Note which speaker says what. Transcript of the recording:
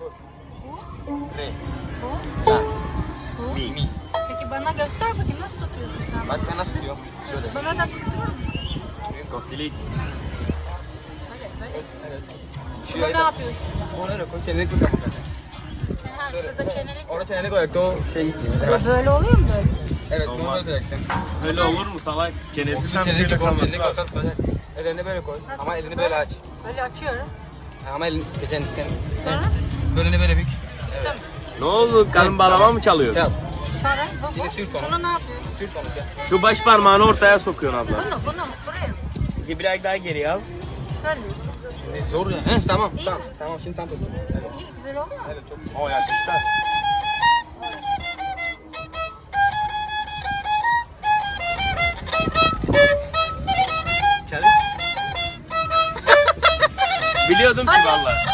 Speaker 1: Sol.
Speaker 2: Bu.
Speaker 1: Re.
Speaker 2: Bu.
Speaker 1: La.
Speaker 2: Bu.
Speaker 1: Mi.
Speaker 2: Peki bana göster bakayım nasıl tutuyorsun sen?
Speaker 1: Bak ben nasıl tutuyorum? Şöyle.
Speaker 2: Bana da tutturur musun?
Speaker 3: Koftilik.
Speaker 2: Böyle.
Speaker 1: Evet.
Speaker 2: Şurada ne yapıyorsun?
Speaker 1: Onu öyle koy. Çenelik koy kapı zaten.
Speaker 2: Şurada çenelik.
Speaker 1: Orada çenelik koyarak da o şey gitmiyor. Mesela.
Speaker 2: Böyle oluyor mu böyle?
Speaker 1: Evet bunu böyle tutacaksın.
Speaker 3: Öyle olur mu salak? Çenesi tam
Speaker 1: Çenelik
Speaker 3: şöyle
Speaker 1: koy.
Speaker 3: kalması
Speaker 1: Çenelik
Speaker 3: lazım.
Speaker 1: koy. Ellerini böyle koy.
Speaker 2: Nasıl?
Speaker 1: Ama elini böyle aç.
Speaker 2: Böyle açıyorum.
Speaker 1: Ama elini geçen sen.
Speaker 2: Sonra?
Speaker 1: Böyle böyle bük.
Speaker 3: Ne oldu? Karın bağlama mı çalıyor?
Speaker 1: Çal.
Speaker 2: Sonra bu.
Speaker 1: Şimdi sürt onu.
Speaker 2: Şunu ne yapıyorsun?
Speaker 1: Sürt onu sen.
Speaker 3: Şu baş parmağını ortaya sokuyorsun abla.
Speaker 2: Bunu buraya mı?
Speaker 3: Peki biraz daha geri al.
Speaker 2: Şöyle.
Speaker 1: Şimdi zor ya. He tamam
Speaker 2: İyi
Speaker 1: tamam.
Speaker 2: mi?
Speaker 1: Tamam şimdi tam tut. Evet.
Speaker 2: İyi güzel oluyor mu?
Speaker 1: Evet çok.
Speaker 3: O yakıştı.
Speaker 1: Çal.
Speaker 3: Biliyordum ki
Speaker 2: Hadi.
Speaker 3: valla.